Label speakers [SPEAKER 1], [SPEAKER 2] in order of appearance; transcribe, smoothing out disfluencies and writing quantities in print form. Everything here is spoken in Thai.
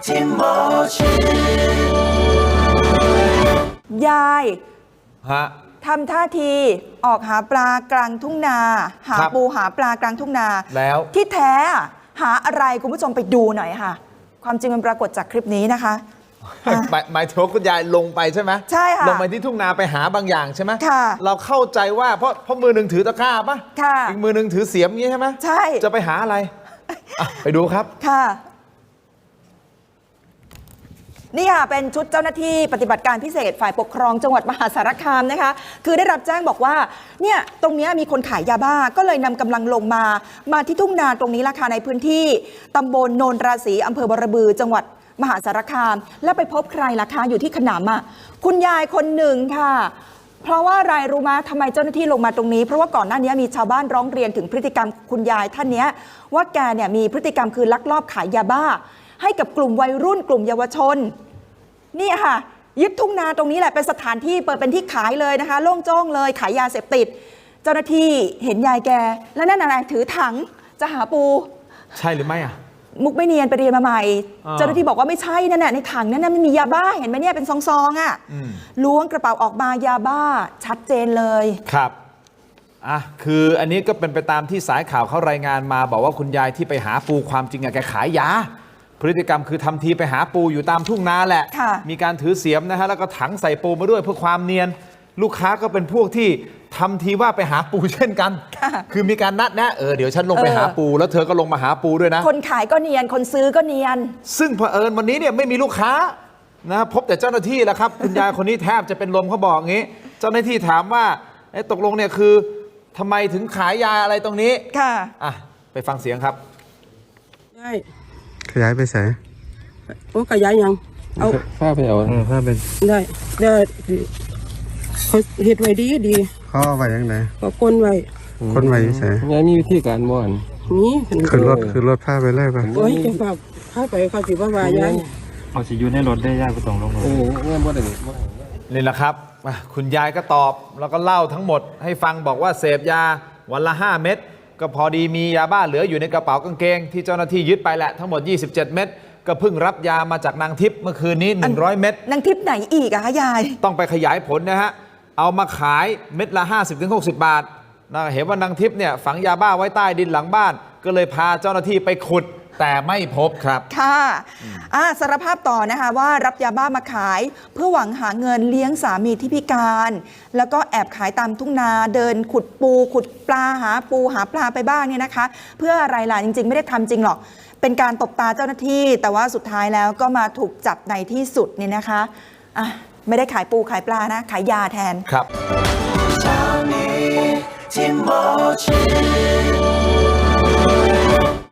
[SPEAKER 1] ยาย
[SPEAKER 2] ฮะ
[SPEAKER 1] ทำท่าทีออกหาปลากลางทุ่งนาหาปูหาปลากลางทุ่งนา
[SPEAKER 2] แล้ว
[SPEAKER 1] ที่แท้หาอะไรคุณผู้ชมไปดูหน่อยค่ะความจริงมันปรากฏจากคลิปนี้นะคะ
[SPEAKER 2] หมายถึงคุณยายลงไปใช่ไหม
[SPEAKER 1] ใช่ค่ะ
[SPEAKER 2] ลงไปที่ทุ่งนาไปหาบางอย่างใช่ไหม
[SPEAKER 1] ค่ะ
[SPEAKER 2] เราเข้าใจว่าเพราะมือหนึ่งถือตะกร้าป่ะ
[SPEAKER 1] ค่ะ
[SPEAKER 2] อีกมือหนึ่งถือเสียมอย่างนี้ใช่ไหม
[SPEAKER 1] ใช่
[SPEAKER 2] จะไปหาอะไรไปดูครับ
[SPEAKER 1] ค่ะนี่ค่ะเป็นชุดเจ้าหน้าที่ปฏิบัติการพิเศษฝ่ายปกครองจังหวัดมหาสารคามนะคะคือได้รับแจ้งบอกว่าเนี่ยตรงนี้มีคนขายยาบ้าก็เลยนำกำลังลงมาที่ทุ่งนาตรงนี้ราคาในพื้นที่ตำบลโนนราศีอำเภอบรบือจังหวัดมหาสารคามแล้วไปพบใครล่ะคะอยู่ที่ขนำคุณยายคนหนึ่งค่ะเพราะว่าอะไรรู้ไหมทำไมเจ้าหน้าที่ลงมาตรงนี้เพราะว่าก่อนหน้านี้มีชาวบ้านร้องเรียนถึงพฤติกรรมคุณยายท่านนี้ว่าแกเนี่ยมีพฤติกรรมคือลักลอบขายยาบ้าให้กับกลุ่มวัยรุ่นกลุ่มเยาวชนนี่ค่ะยึดทุ่งนาตรงนี้แหละเป็นสถานที่เปิดเป็นที่ขายเลยนะคะโล่งโจ้งเลยขายยาเสพติดเจ้าหน้าที่เห็นยายแกแล้วนั่นอะไรถือถังจะหาปู
[SPEAKER 2] ใช่หรือไม่
[SPEAKER 1] มุกไม่เนียนไปเรียนมาใหม่เจ้าหน้าที่บอกว่าไม่ใช่นั่นน่ะในถังนั้นมันมียาบ้าเห็นไหมเนี่ยเป็นซองล้วงกระเป๋าออกมายาบ้าชัดเจนเลย
[SPEAKER 2] ครับคืออันนี้ก็เป็นไปตามที่สายข่าวเขารายงานมาบอกว่าคุณยายที่ไปหาปูความจริงแกขายยาพฤติกรรมคือทำทีไปหาปูอยู่ตามทุ่งนาแหละมีการถือเสียมนะฮะแล้วก็ถังใส่ปูมาด้วยเพื่อความเนียนลูกค้าก็เป็นพวกที่ทำทีว่าไปหาปูเช่นกันคือมีการนัดนะเดี๋ยวฉันลงไปหาปูแล้วเธอก็ลงมาหาปูด้วยนะ
[SPEAKER 1] คนขายก็เนียนคนซื้อก็เนียน
[SPEAKER 2] ซึ่งเผอิญวันนี้เนี่ยไม่มีลูกค้านะพบแต่เจ้าหน้าที่แหละครับคุณยายคนนี้แทบจะเป็นลมเขาบอกงี้เจ้าหน้าที่ถามว่าตกลงเนี่ยคือทำไมถึงขายยาอะไรตรงนี้
[SPEAKER 1] ค่ะ
[SPEAKER 2] ไปฟังเสียงครับ
[SPEAKER 3] ได้
[SPEAKER 4] ขยายไปใส่
[SPEAKER 3] โอ้ขยายยังเอา
[SPEAKER 4] ผ้าไปเอาผ้าเป็น
[SPEAKER 3] ได้เขาเห็ดไว้ดี
[SPEAKER 4] เขาเอาไว้ยังไง
[SPEAKER 3] ก็ก้นไว้
[SPEAKER 4] ใส่
[SPEAKER 5] ยายมีวิธีการบ่อน
[SPEAKER 3] นี่
[SPEAKER 4] คือรถผ้าไปเลยป่ะ
[SPEAKER 3] โอ้ยจะฝากผ้าไปเขาสิว่าวายาย
[SPEAKER 5] เขาสิอยู่ในรถได้ยายไปส่งลงรถ
[SPEAKER 2] บ่ได้นี่แหละครับคุณยายก็ตอบแล้วก็เล่าทั้งหมดให้ฟังบอกว่าเสพยาวันละ5 เม็ดก็พอดีมียาบ้าเหลืออยู่ในกระเป๋ากางเกงที่เจ้าหน้าที่ยึดไปแหละทั้งหมด27 เม็ดก็เพิ่งรับยามาจากนางทิพย์เมื่อคืนนี้100 เม็ด
[SPEAKER 1] นางทิพย์ไหนอีกอะคะยาย
[SPEAKER 2] ต้องไปขยายผลนะฮะเอามาขายเม็ดละ50-60 บาทเห็นว่านางทิพย์เนี่ยฝังยาบ้าไว้ใต้ดินหลังบ้านก็เลยพาเจ้าหน้าที่ไปขุดแต่ไม่พบครับ
[SPEAKER 1] ค่ะสารภาพต่อนะคะว่ารับยาบ้ามาขายเพื่อหวังหาเงินเลี้ยงสามีที่พิการแล้วก็แอบขายตามทุ่งนาเดินขุดปูขุดปลาหาปูหาปลาไปบ้างเนี่ยนะคะเพื่ออะไรล่ะจริงๆไม่ได้ทำจริงหรอกเป็นการตบตาเจ้าหน้าที่แต่ว่าสุดท้ายแล้วก็มาถูกจับในที่สุดเนี่ยนะคะไม่ได้ขายปูขายปลานะขายยาแทน
[SPEAKER 2] ครับ